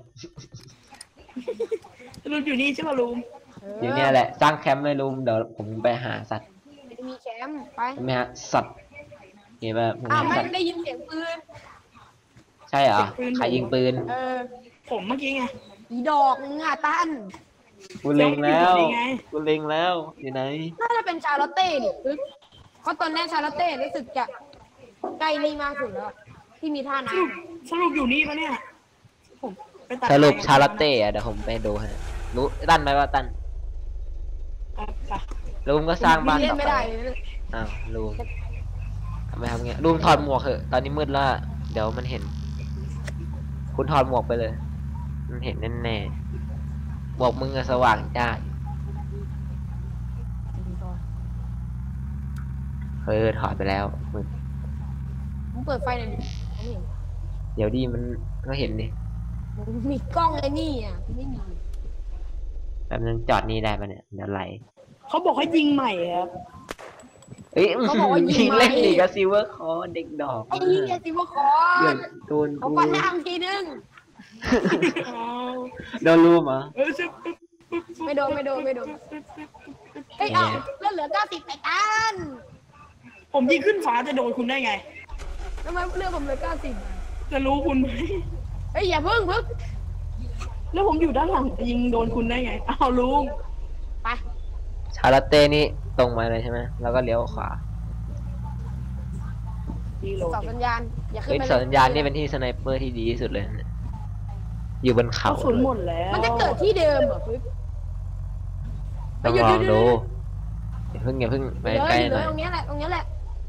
[SPEAKER 3] ลุงอยู่นี่ใช่ป่ะลุง
[SPEAKER 2] อยู่เนี่ยแหละสร้างแคมป์เลยลุงเดี๋ยวผมไปหาสัตว์
[SPEAKER 1] ไม่มีแคมป์ไป
[SPEAKER 2] ไม่ฮะสัตว์เห็นป่ะผม
[SPEAKER 1] อ้าว
[SPEAKER 2] หา
[SPEAKER 1] ไม่
[SPEAKER 2] สัตว์
[SPEAKER 1] ได้ยินเสียงปืน
[SPEAKER 2] ใช่เหรอใครยิงปืน
[SPEAKER 3] ผมเมื่อกี้ไง
[SPEAKER 1] อีดอกมึงอ่ะตั้น
[SPEAKER 2] กูเล็งแล้ว
[SPEAKER 3] เดี๋ยวมันอยู่ตรงนี้ไง
[SPEAKER 2] กูเล็งแล้วอยู่ไหน
[SPEAKER 1] น่าจะเป็นชาลอตเต้ดิเพราะตอนนี้ชาลอตเต้รู้สึกจะใกล้นี่มากสุดแล้วที่มีท่าน้
[SPEAKER 3] สรุปอยู่นี่ปะเนี่ยผมไปตัด
[SPEAKER 2] สรุป
[SPEAKER 3] ไม้
[SPEAKER 2] ชาลอตเต้อะเดี๋ยวผมไปดูให้รู้ตั้นไหมว่าตั้น
[SPEAKER 3] ไป
[SPEAKER 2] ลุงก็
[SPEAKER 1] ำ
[SPEAKER 2] สร้างบ้าน
[SPEAKER 1] เล่
[SPEAKER 2] ต่
[SPEAKER 1] น
[SPEAKER 2] อ
[SPEAKER 1] ไม่
[SPEAKER 2] ไป
[SPEAKER 1] ได้เลย
[SPEAKER 2] อ้าวลุงทำไมทำเงี้ยลุงถอดหมวกเถอะตอนนี้มืดแล้วอะเดี๋ยวมันเห็น คุณถอดหมวกไปเลย มันเห็นแน่ๆหมวกมึงอะสว่างจ้าถอดไปแล้วมืด
[SPEAKER 1] มึงเปิดไฟหน่อยดิไม่เห็น
[SPEAKER 2] เดี๋ยวดีมันก็เห็นดิ
[SPEAKER 1] มึงมีกล้องไอ้นี่อ่ะไม่มี
[SPEAKER 2] แบบนึงจอดนี่ได้ปะเนี่ยเดี๋ยวไหล
[SPEAKER 3] เขาบอกให้ยิงใหม่ครับ
[SPEAKER 2] เอ้ย
[SPEAKER 1] เขาบอกว่ายิ
[SPEAKER 2] ยิ
[SPEAKER 1] ง
[SPEAKER 2] ง
[SPEAKER 1] มา
[SPEAKER 2] เล่นดีกับซิลเวอร์คอเด็กดอก
[SPEAKER 1] ไอ้เหี้ยสิว่าคอ
[SPEAKER 2] เดี๋ยวน โดน
[SPEAKER 1] เขา
[SPEAKER 2] กู
[SPEAKER 1] ฟันล่างทีนึง
[SPEAKER 2] โดนรูมเหรอ
[SPEAKER 1] ไม่โดนไม่โดนไม่โดนเฮ้ยเอ้าเลือดเหลือ90ไอ้ตัน
[SPEAKER 3] ผมยิงขึ้นฟ้าจะโดนคุณได้ไง
[SPEAKER 1] ทำไมเลือดผมเหลือ90
[SPEAKER 3] จะรู้คุณไหม
[SPEAKER 1] เฮ้ยอย่าพึ่ง
[SPEAKER 3] แล้วผมอยู่ด้านหลังจะยิงโดนคุณได้ไงอ้าวลุง
[SPEAKER 1] ไป
[SPEAKER 2] ชาลาเต้นี่ตรงมาเลยใช่ไหมแล้วก็เลี้ยวขวา
[SPEAKER 3] ดีโหล
[SPEAKER 1] เสาสัญญาณอย่าขึ้น
[SPEAKER 2] เฮ้ย
[SPEAKER 1] ไป
[SPEAKER 2] สัญญาณนี่เป็นที่สไนเปอร์ที่ดีที่สุดเลยเนี่ยอยู่บน
[SPEAKER 3] ก
[SPEAKER 2] เขา
[SPEAKER 3] ระสุนหมดแล้ว
[SPEAKER 1] มันจะเกิดที่เดิมเหรอปึ๊บ
[SPEAKER 2] ต้องลองดูอย่าเพิ่งไป
[SPEAKER 1] เดี๋ยว
[SPEAKER 2] ใกล้
[SPEAKER 1] อยู่
[SPEAKER 2] ห
[SPEAKER 1] เล
[SPEAKER 2] น่อย ย
[SPEAKER 1] ตรงนี้แหละตรงนี้แหละ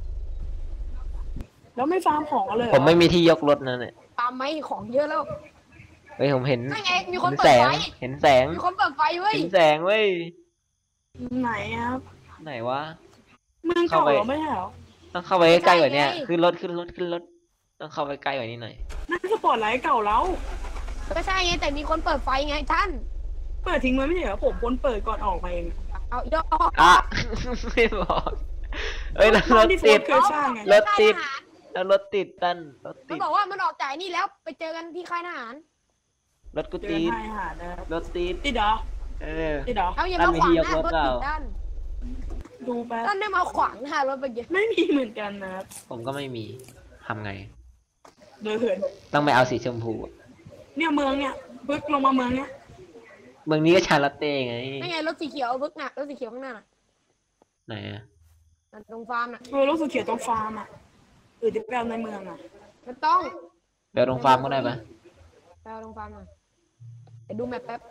[SPEAKER 3] แล้วไม่ฟาร์มของกันเลยเหรอ
[SPEAKER 2] ผมไม่มีที่ยกรถนะเนี่ย
[SPEAKER 1] ตามไหมของเยอะแล้ว
[SPEAKER 2] เฮ้ยผมเห็น
[SPEAKER 1] นั่นไงมีคน
[SPEAKER 2] เห็น
[SPEAKER 1] เปิ
[SPEAKER 2] แส
[SPEAKER 1] ด
[SPEAKER 2] ง
[SPEAKER 1] ไฟ
[SPEAKER 2] เห็นแสง
[SPEAKER 1] มีคนเปิดไฟเว้ย
[SPEAKER 2] เห็นแสงเว้ย
[SPEAKER 3] ไหนครับ
[SPEAKER 2] ไหนวะ
[SPEAKER 3] เมืองเก่าเหรอไม่ใช่เหรอ
[SPEAKER 2] ต้องเข้าไปใกล้กว่านี้ขึ้นรถต้องเข้าไปใกล้กว่านี้หน่อย
[SPEAKER 3] นั่นสปอร์ตไลท์เก่าแล้ว
[SPEAKER 1] ก็ใช่ไงแต่มีคนเปิดไฟไงท่าน
[SPEAKER 3] เปิดทิ้งไว้ไม่ใช่เหรอผมคนเปิดก่อนออกมาเอง
[SPEAKER 1] เอาอีดอก
[SPEAKER 2] อ่ะ ไม่บอกเอ้ยแล้วร
[SPEAKER 3] บ้าน
[SPEAKER 2] ถ
[SPEAKER 3] ที่โฟ
[SPEAKER 2] ติ
[SPEAKER 3] ร์
[SPEAKER 2] ด
[SPEAKER 3] เคยสร้างไง
[SPEAKER 2] รถติด แล้วรถติดตันรถ
[SPEAKER 1] มั
[SPEAKER 2] ติ
[SPEAKER 1] น
[SPEAKER 2] ด
[SPEAKER 1] บอกว่ามันออกจ่ายนี่แล้วไปเจอกันที่ค่ายทหาร
[SPEAKER 2] รถกู
[SPEAKER 3] เจอ
[SPEAKER 2] ติด
[SPEAKER 3] ให้อาหารนะครับ
[SPEAKER 2] รถติด
[SPEAKER 3] ติดเหรอ
[SPEAKER 2] เออ
[SPEAKER 3] ติดเหรอ
[SPEAKER 1] เอาอย่ามาขวางหน้ารถติดด้าน
[SPEAKER 3] ดูแป๊บ
[SPEAKER 1] ด้านได้มาขวางหน้ารถไปเยอะ
[SPEAKER 3] ไม่มีเหมือนกันนะครับ
[SPEAKER 2] ผมก็ไม่มีทำไง
[SPEAKER 3] โดยเหิน
[SPEAKER 2] ต้องไปเอาสีชมพูอะ
[SPEAKER 3] เนี่ยเมืองเนี่ยปึ๊กลงมาเมืองเนี่ย
[SPEAKER 2] เมืองนี้ก็ชาลอตเต้ไง
[SPEAKER 1] นั่นไงรถสีเขียวบึกน่ะรถสีเขียวข้างหน้าน่ะ
[SPEAKER 2] ไหนอะ
[SPEAKER 1] นั่นตรงฟาร์มน่ะ
[SPEAKER 3] รู้สึกเขียวตรงฟาร์มอ่ะจะไปเอาในเมืองอ่ะ
[SPEAKER 1] ไม่ต้อง
[SPEAKER 2] เดี๋ยวตรงฟาร์มก็ได้ปะ
[SPEAKER 1] ไปเอาตรงฟาร์มหน่อยไปดูแมปแป๊บ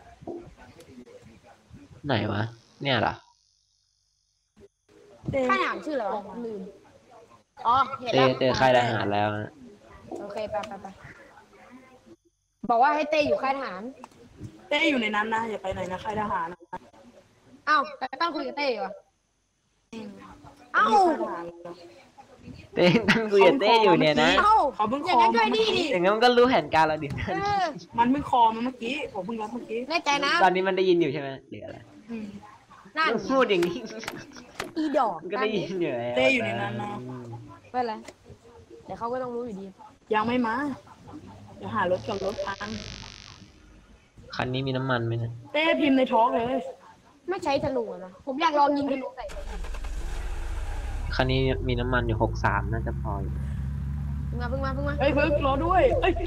[SPEAKER 2] ไหนวะ เนี่ยเหรอ
[SPEAKER 1] ค่ายทหารชื่ออะไรวะลืมอ๋อเห็น
[SPEAKER 2] เต้
[SPEAKER 1] แล้ว
[SPEAKER 2] เจอค่ายทหารแล้วนะ
[SPEAKER 1] โอเคไปบอกว่าให้เต้อยู่ค่ายทหาร
[SPEAKER 3] เต้อยู่ในนั้นนะอย่าไปไหนนะค่ายทหารนะ
[SPEAKER 1] อ้าวแต่ต้องคุยกับเต้อยู่อ่ะเอ้า
[SPEAKER 3] ค่ายทหาร
[SPEAKER 2] เต้ตั้งคุยกับเต้อยู่เนี่ยนะ
[SPEAKER 1] เอ้า
[SPEAKER 3] เขาเพิ่ง
[SPEAKER 1] อ
[SPEAKER 3] ค
[SPEAKER 1] ย่าง
[SPEAKER 3] อ
[SPEAKER 1] นั้น
[SPEAKER 3] มา
[SPEAKER 1] ด้วย
[SPEAKER 3] เมื่
[SPEAKER 1] นี่
[SPEAKER 3] อ
[SPEAKER 1] ดิ
[SPEAKER 3] กี้
[SPEAKER 2] อย่างงั้นมันก็รู้แผนการเราดิ
[SPEAKER 1] เออ
[SPEAKER 3] มันเพิ่งคอมาเมื่อกี้ผมเพิ่งรับเมื่อกี้
[SPEAKER 1] แน่ใจนะ
[SPEAKER 2] ตอนนี้มันได้ยินอยู่ใช่ไหมหรืออะไร
[SPEAKER 3] อืม
[SPEAKER 1] นั่น
[SPEAKER 2] พูดอย่างนี้
[SPEAKER 1] อีดอก
[SPEAKER 2] มันก็ได้ยินอยู่แล้ว
[SPEAKER 3] เต้อยู่ในนั้นนะ
[SPEAKER 1] ไม่เป็นไรเดี๋ยวเขาก็ต้องรู้อยู่ดี
[SPEAKER 3] ยังไม่มาเดี๋ยวหารถกับรถพัง
[SPEAKER 2] คันนี้มีน้ำมันไหมนะ
[SPEAKER 3] เต้พิมพ์ในท้องเลย
[SPEAKER 1] ไม่ใช้ธนูอะนะผมอยากลองยิงธนูใส่
[SPEAKER 2] คันนี้มีน้ำมันอยู่63น่าจะพออยู่
[SPEAKER 1] เพิ่งมา
[SPEAKER 3] เอ้ยเพิ่งรอด้วยเอ้ย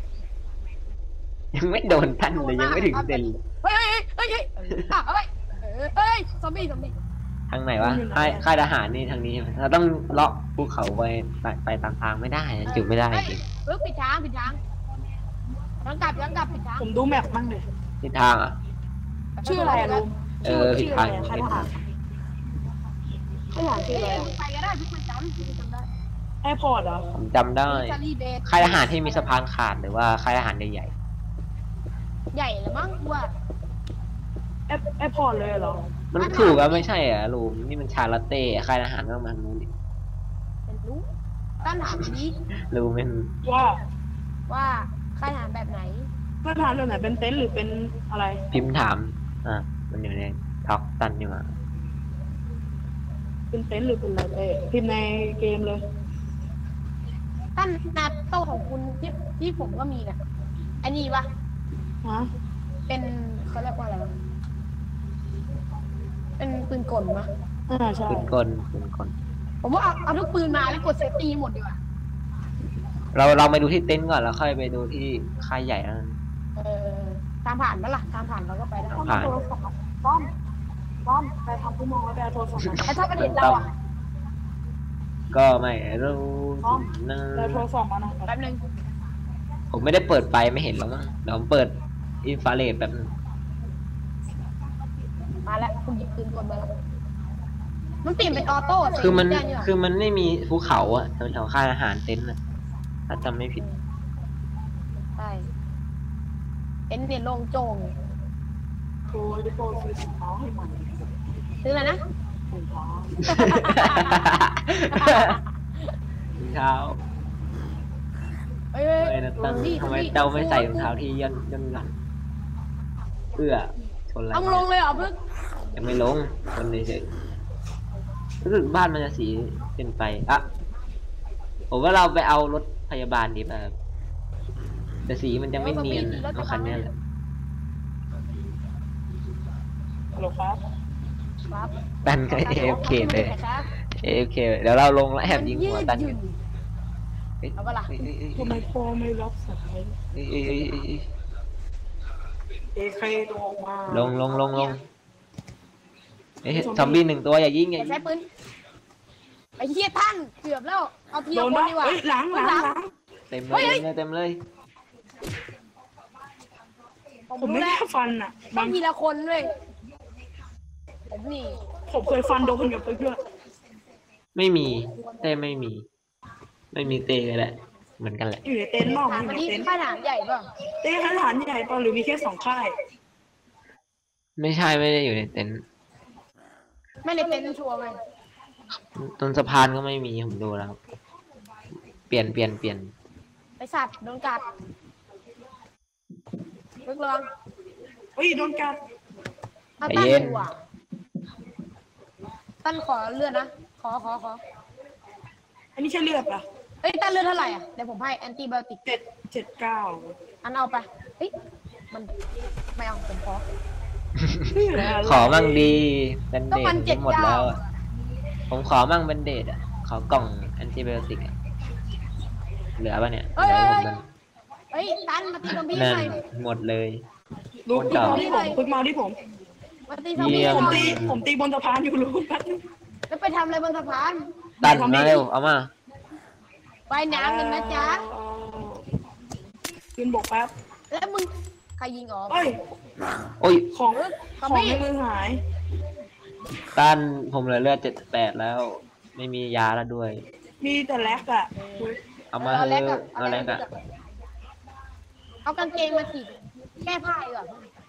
[SPEAKER 2] ยังไม่โดนทันเลยยังไม่ถึงเซนเลย
[SPEAKER 1] เฮ้ยเฮ้ยเฮ้ยเฮ้ยซอมบี้
[SPEAKER 2] ทางไหนวะค่ายทหารนี่ทางนี้ใช่ไหมเราต้องเลาะภูเขาไปตามทางไม่ได้นะจุดไม่ได้จริง
[SPEAKER 1] เฮ้ยผิดทางยังกลับผิดทาง
[SPEAKER 3] ผมดูแมปมั่งเลย
[SPEAKER 2] ทิศทางอ่ะ
[SPEAKER 3] ชื่ออะไรอะลุง
[SPEAKER 2] เออผิดทาง
[SPEAKER 3] ค่ายทหารค่ายทหารชื่ออะไรอะ
[SPEAKER 1] ไปก็ได้ทุกคนจำได้
[SPEAKER 3] แอร์พอร์ตเหรอ
[SPEAKER 2] ผมจำได้
[SPEAKER 1] ซารีเบส
[SPEAKER 2] ค่ายทหารที่มีสะพานขาดหรือว่าค่ายทหารใหญ่
[SPEAKER 1] ใหญ่เลยมั้งว่า
[SPEAKER 3] แอร์พอร์ตเลยเหรอ
[SPEAKER 2] ๆมันถูกอะไม่ใช่อ่ะลุงนี่มันชาลาเต้ค่ายทหารก็มาทางนู้นดิ
[SPEAKER 1] เป็นรู้ต้านถามนี้
[SPEAKER 2] ลุงเป็น
[SPEAKER 3] ว่า
[SPEAKER 1] ค่ายทหารแบบไหน
[SPEAKER 3] ค่ายทหารแบบไหนเป็นเต็นท์หรือเป็นอะไร
[SPEAKER 2] พิมพ์ถามมันอยู่ในท็อกตันนี่มา
[SPEAKER 3] เป็นเต็นท์หรือเป็นอะไรเต้พิมพ์ในเกมเลย
[SPEAKER 1] ท่านนาโต้ของคุณที่ผมก็มีนะอันนี้ปะ
[SPEAKER 3] ฮะ
[SPEAKER 1] เป็นเขาเรียกว่าอะไรวะเป็นปืนกลมะ
[SPEAKER 3] ใช่
[SPEAKER 2] ปืนกลปืนกล
[SPEAKER 1] ผมว่าเอาทุกปืนมาแล้วกดเซฟตี้หมดดีกว่า
[SPEAKER 2] เราไปดูที่เต็นท์ก่อนแล้วค่อยไปดูที่ค่ายใหญ่แล้วกัน
[SPEAKER 1] เออตามผ่านปะล่ะตามผ่านเราก็ไปได้
[SPEAKER 3] ป้อมโทรศัพท์ป้อมไปทำผู้มองแล้วไปเอาโทรศัพท์มา
[SPEAKER 1] แต่ถ้าประเด็นเราอ่ะ
[SPEAKER 2] ก็ไม่รู้
[SPEAKER 3] ป้อม
[SPEAKER 2] นะ
[SPEAKER 3] ไปเอาโทรศัพท์มาหน่อย
[SPEAKER 1] แป๊บนึง
[SPEAKER 2] ผมไม่ได้เปิดไฟไม่เห็นหรอกมั้งเดี๋ยวผมเปิดอินฟราเรดแบบนึง
[SPEAKER 1] มาแล้วคุณหยิบปืนกลมาแล้วมันเปลี่ยนเป็นออโต้
[SPEAKER 2] คือมัน
[SPEAKER 1] ได้นี่หร
[SPEAKER 2] คือมันไม่มีภูเขาอะแถวๆค่ายอาหารเต็นท์อะถ้าจำไม่ผิด
[SPEAKER 1] ใช่เอ็นเนี่ยโล่งโจ่ง
[SPEAKER 3] โอ้ยโปรซื้อถุงเท้าให้ใหม่
[SPEAKER 1] ซื้ออะไรนะ
[SPEAKER 3] ถุงเท้า
[SPEAKER 2] รองเท้า
[SPEAKER 1] เอ้ย
[SPEAKER 2] ทำไมนะตั้งทำไมเจ้าไม่ใส่รองเท้าที่ย่นหลังเอื้อชนอะไร
[SPEAKER 1] เอาลงเลยเหรอเพิ่ง
[SPEAKER 2] ยังไม่ลงชนเฉยๆรู้สึกบ้านมันจะสีเป็นไปอะผมว่าเราไปเอารถพยาบาลดีป่ะครับแต่สีมันจะไม่เนียนอะเอาคันเนี้ยแหละ
[SPEAKER 3] ฮัลโหลครับ
[SPEAKER 1] ครับ
[SPEAKER 2] ตันก็ AFK เลย
[SPEAKER 1] ครับ
[SPEAKER 2] AFK เดี๋ยวเราลงแล้วแอบยิงหัวตัน
[SPEAKER 1] ยืดอยู่ เอาปะล่ะ
[SPEAKER 3] ทำไมพ่อไม่รับสาย
[SPEAKER 2] เอ้ย
[SPEAKER 3] เอเคลงมา
[SPEAKER 2] ลงเอ้ยซอมบี้1 ตัวอย่ายิงอย่า
[SPEAKER 1] อย่า
[SPEAKER 2] ยิ
[SPEAKER 1] ใช้
[SPEAKER 2] ง
[SPEAKER 1] ปืนไอ้เหี้ยท่านเกือบแล้วเอาที
[SPEAKER 3] โด
[SPEAKER 1] ละ
[SPEAKER 3] น
[SPEAKER 1] คน
[SPEAKER 3] ปะ
[SPEAKER 1] ดีกว่า
[SPEAKER 3] เฮ้ยหลัง
[SPEAKER 2] เต็มเลยเต็มเลย
[SPEAKER 1] ผม
[SPEAKER 3] ผม
[SPEAKER 1] รู้
[SPEAKER 3] ไม่
[SPEAKER 1] แล้
[SPEAKER 3] ได้
[SPEAKER 1] ว
[SPEAKER 3] ฟันอ่ะ
[SPEAKER 1] ต้องทีละคนด้วยผมนี่
[SPEAKER 3] ผมเคยฟันโดนกับเพื่อน
[SPEAKER 2] ไม่มีเต้ไม่มีเต้ก็แหละเหมือนกันแหละ
[SPEAKER 3] อยู่ในเต็นท์นอก
[SPEAKER 1] ถาม
[SPEAKER 3] อยู่
[SPEAKER 1] มา
[SPEAKER 3] ใน
[SPEAKER 1] ที่
[SPEAKER 3] เต็นท์
[SPEAKER 1] ค่ายทหารใหญ่ป่ะ
[SPEAKER 3] เต็นท์ทหารใหญ่ป่ะหรือมีแค่2 ค่าย
[SPEAKER 2] ไม่ใช่ไม่ได้อยู่ในเต็นท์
[SPEAKER 1] ไม่ในเต็นท์ชัวร์เลย
[SPEAKER 2] ต้นสะพานก็ไม่มีผมดูแล้วเปลี่ยน
[SPEAKER 1] ไอสัตว์โดนกัดลึกลอง
[SPEAKER 3] เฮ้ยโดนกัด
[SPEAKER 1] เอาตั้นอยู่อ่ะตั้นขอเลือดนะขอ
[SPEAKER 3] อันนี้ใช่เลือดป่ะ
[SPEAKER 1] เอ้ยตั้นเลือดเท่าไหร่อ่ะเดี๋ยวผมให้แอนติไบโอติก
[SPEAKER 3] 779
[SPEAKER 1] อันเอาไปเฮ้ยมันไม่เอาผมขอ
[SPEAKER 2] ขอมั่งดีแบน
[SPEAKER 1] ก็
[SPEAKER 2] เด
[SPEAKER 1] มัน
[SPEAKER 2] ดหมดแล้ว
[SPEAKER 1] 79
[SPEAKER 2] อะผมขอมั่งแบนเดดอ่ะขอกล่องแอนติไบโอติกอะเหลือป่ะเนี่ยเหลือผมกัน
[SPEAKER 1] เฮ้ยตั้นมาตีซอมบี้
[SPEAKER 2] นั่น
[SPEAKER 1] หน่อย
[SPEAKER 2] หมดเลย
[SPEAKER 3] ลูกพึ่งมาที่ผมพึ่งมาที่ผม
[SPEAKER 1] มาตีซอมบี้
[SPEAKER 2] เยี่ย
[SPEAKER 1] ห
[SPEAKER 2] ม
[SPEAKER 1] น่อย
[SPEAKER 3] ผมตีบนสะพานอยู่ลูกแป๊บนึง
[SPEAKER 1] แล้วไปทำอะไรบนสะพาน
[SPEAKER 2] ตันมาเร็วเอามา
[SPEAKER 1] ไปน้ำกันนะจ๊ะ
[SPEAKER 3] ขึ้นบกแป๊บ
[SPEAKER 1] แล้วมึงใครยิงออก
[SPEAKER 3] เอ้ย
[SPEAKER 2] โอ้ย
[SPEAKER 3] ของ
[SPEAKER 1] ซอม
[SPEAKER 3] ของ
[SPEAKER 1] บี้
[SPEAKER 3] ในมือหาย
[SPEAKER 2] ตันผมเหลือเลือด78แล้ว ไม่มียาแล้วด้วย
[SPEAKER 3] มีแต่แลกอ่ะ
[SPEAKER 2] เอามา
[SPEAKER 1] เอา
[SPEAKER 2] เถ
[SPEAKER 1] แลกกั
[SPEAKER 2] อะ
[SPEAKER 1] บ
[SPEAKER 2] เอาแลกอะ
[SPEAKER 1] เอากางเกงมาสิแก้ผ้าดีกว่า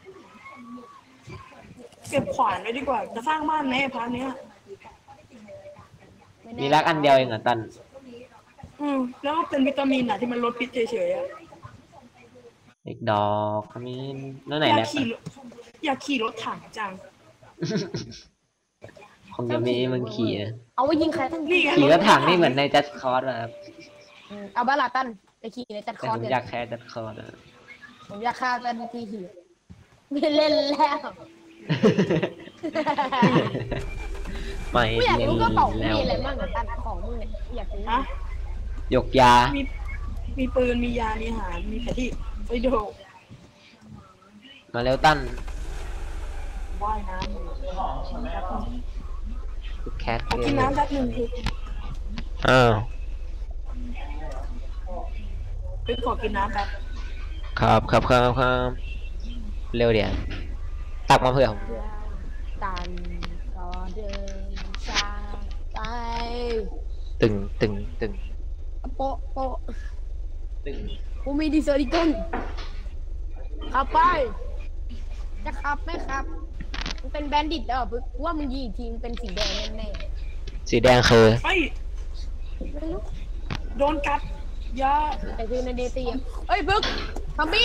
[SPEAKER 3] เก็บขวานไว้ดีกว่า จะสร้างบ้านไหมพาร์ทเนี้ย
[SPEAKER 1] ไแน่
[SPEAKER 2] มีรักอันเดียวเองเหรอตัน
[SPEAKER 3] แล้วก็เป็นวิตามินอ่ะที่มันลดพิษเฉยๆอ่ะ
[SPEAKER 2] เด็กดอกขมิ้นนั่นไหน
[SPEAKER 3] อยา
[SPEAKER 2] แล
[SPEAKER 3] ก
[SPEAKER 2] ก
[SPEAKER 3] ขี่รถอยากขี่รถถังจัง
[SPEAKER 2] คงจะมีมึงขี่นะ
[SPEAKER 1] เอาไว้ยิงใครทั้ง
[SPEAKER 3] นี่ไง
[SPEAKER 2] ขี่รถถังนี่เหมือนในจัดคอร์สอะครับ
[SPEAKER 1] เอาบาลาตันไปขี่ในจัดค
[SPEAKER 2] แต่
[SPEAKER 1] อ
[SPEAKER 2] ผ
[SPEAKER 1] ร์ส
[SPEAKER 2] ม
[SPEAKER 1] เดี๋ย
[SPEAKER 2] อยากแค่จัดคอร์สอะ
[SPEAKER 1] ผมอยากฆ่าตันทีขี่ไม่เล่นแล้ว
[SPEAKER 2] ไม่
[SPEAKER 1] กูอยาก
[SPEAKER 2] เล่น
[SPEAKER 1] รู้กระเป๋ามึง
[SPEAKER 2] แล้ว
[SPEAKER 1] มีอะไรบ้างเหรอตันของมึงเนี่ยอยากรู้
[SPEAKER 3] ฮะ
[SPEAKER 2] ยกยา
[SPEAKER 3] มีปืน มียา มีอาหาร มีแผนที่ไปดู
[SPEAKER 2] มาเร็วตั้น
[SPEAKER 3] ว่ายน้ำอยู่
[SPEAKER 2] แคท
[SPEAKER 3] ขอกินน้ำแป๊บหนึงคือ
[SPEAKER 2] อ้าว
[SPEAKER 3] คือขอกินน้ำแป๊บ
[SPEAKER 2] ครับเร็วเดี๋ยวตักมาเพื่อผม
[SPEAKER 1] ตันก็เดินจากไป
[SPEAKER 2] ตึง
[SPEAKER 1] โปะโปะ
[SPEAKER 2] ตึง
[SPEAKER 1] กูมีดีเซอร์ดิเกิลขับไป จะขับไหมครับมันเป็นแบนดิตแล้วเหรอปึ๊กว่ามึงยิงอีกทีมันเป็นสีแดงแน่
[SPEAKER 2] สีแดงคือ
[SPEAKER 3] เฮ้ย
[SPEAKER 1] ๆไม่รู้
[SPEAKER 3] โดนกัดยา
[SPEAKER 1] แต่คือในเดซีอะเอ้ยปึ๊กซอมบี้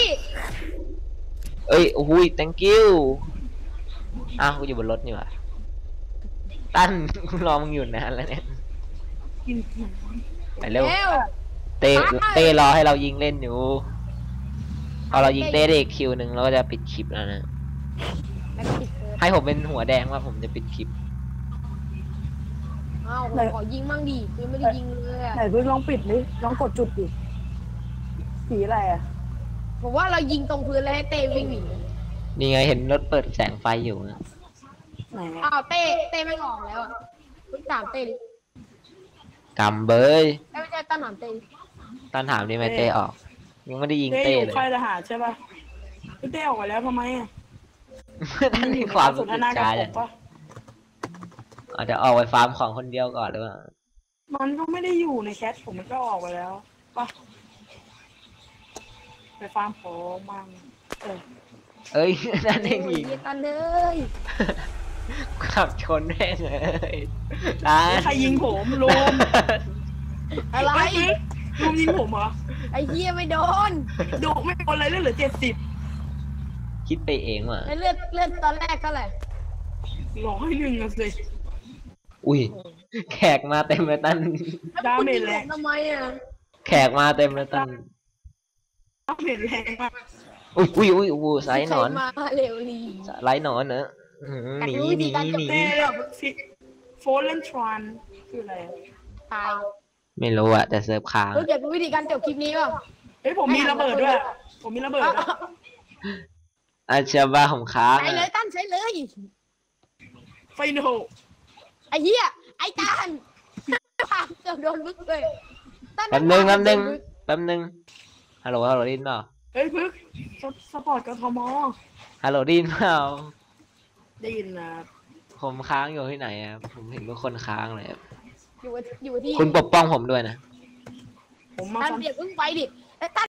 [SPEAKER 2] เอ้ยโอ้โห thank you อ้าวกูอยู่บนรถนี่หว่าตั้นกูรอมึงอยู่นานแล้วเนี่ย
[SPEAKER 3] กิน
[SPEAKER 2] ไปเร็ว
[SPEAKER 1] เร็ว
[SPEAKER 2] เต้เต้รอให้เรายิงเล่นอยู่พอเรายิงเต้ได้อีกคิวหนึ่งเราก็จะปิดคลิปแล้วนะ
[SPEAKER 1] แล้วก็ปิดเซิร์ฟ
[SPEAKER 2] ให้ผมเป็นหัวแดงว่าผมจะปิดคลิป
[SPEAKER 1] อ้าวผมขอยิงมั่งดิคือไม่ได้ยิงเลยอะ
[SPEAKER 3] ไหนเพิ่งลองปิดดิลองกดจุดดิสีอะไรอ่ะ
[SPEAKER 1] ผมว่าเรายิงตรงพื้นแล้วให้เต้วิ่งหนี
[SPEAKER 2] นี่ไงเห็นรถเปิดแสงไฟอยู่นะ
[SPEAKER 3] ไหน
[SPEAKER 1] อ้าวเต้ไม่ออกแล้วอ่ะคุณถามเต้ดิ
[SPEAKER 2] กำเบย
[SPEAKER 1] ไม่ใช่ตั้งถามเต้ดิ
[SPEAKER 2] ตั้นถามดิไม่เต้ออก ยังไม่ได้ยิง
[SPEAKER 3] เต้
[SPEAKER 2] เต้
[SPEAKER 3] อยู่
[SPEAKER 2] เลย
[SPEAKER 3] ค่ายทหารใช่ป่ะพี่เต้ออกไปแล้วทำไมอ่ะ
[SPEAKER 2] ตั้นมีความ
[SPEAKER 3] ส
[SPEAKER 2] รู้
[SPEAKER 3] น
[SPEAKER 2] สึ
[SPEAKER 3] ท
[SPEAKER 2] ก
[SPEAKER 3] นากับ
[SPEAKER 2] ช้า
[SPEAKER 3] ผ
[SPEAKER 2] เลย
[SPEAKER 3] มปะ
[SPEAKER 2] อาจจะออกไปฟาร์มของคนเดียวก่อนหรือเปล่า
[SPEAKER 3] มันก็ไม่ได้อยู่ในแชทผมมันก็ออกไปแล้วปะไปฟาร์มของมั่งเออ
[SPEAKER 2] เอ้ย นั่นเอง
[SPEAKER 1] โอ้ย
[SPEAKER 2] ยิง
[SPEAKER 1] เหี้ยกันเลย
[SPEAKER 2] ขับชนแม่งเลยตั้น
[SPEAKER 3] ใครยิงผมลุม
[SPEAKER 1] อะไร
[SPEAKER 3] ลุมยิงผมเหรอ
[SPEAKER 1] ไอ้เหี้ยไม่โดน
[SPEAKER 3] ดูไม่โดนอะไรเลยเหลือ70
[SPEAKER 2] คิดไปเองว่ะ
[SPEAKER 1] ไอ้เลือดตอนแรกเท่าไหร่
[SPEAKER 3] 101อะสิ
[SPEAKER 2] อุ้ย แขกมาเต็มเลยตั้น
[SPEAKER 3] ดาเมจแรง
[SPEAKER 1] ทำไมอ่ะ
[SPEAKER 2] แขกมาเต็มเลยตั้น
[SPEAKER 3] ดาเมจแรงมาก
[SPEAKER 2] อุ้ยอุ้ยไซส์หนอน
[SPEAKER 1] ใครมาเร็วลี
[SPEAKER 2] ไลท์หนอนเนอะอื้อหือหนีหนีหนี
[SPEAKER 3] เต้โฟลเลนทรานคืออะไรอะ
[SPEAKER 1] ตาย
[SPEAKER 2] ไม่รู้อะแต่เซิร์ฟค้าง
[SPEAKER 1] รู้จักวิธีการจบคลิปนี้ป่ะ
[SPEAKER 3] เฮ้ยผมมีระเบิดด้วย ผมมีระเบิดด้วย
[SPEAKER 2] อาเชียบ้าผมค้าง
[SPEAKER 1] ใช้เลย
[SPEAKER 2] อะ
[SPEAKER 1] ตั้นใช้เลย
[SPEAKER 3] ไฟโน
[SPEAKER 1] ไอ้เหี้ยไอ้ตั้นผ่านเกือบโดนมึกเลยตั้น
[SPEAKER 2] แป๊บนึงฮัลโหลได้ยินเปล่า
[SPEAKER 3] เฮ้ยพึกสปอร์ตกทม
[SPEAKER 2] ฮัลโหลได้ยินเปล่า
[SPEAKER 3] ได้ยินนะ
[SPEAKER 2] ผมค้างอยู่ที่ไหนอะผมเห็นทุกคนค้างเลยอะ
[SPEAKER 1] อยู่ที่
[SPEAKER 2] คุณปกป้องผมด้วยนะ
[SPEAKER 3] ผมมา
[SPEAKER 1] ตั้น
[SPEAKER 3] ฟัน
[SPEAKER 1] เดี๋ยวเพิ่งไปดิไอ้ตั้น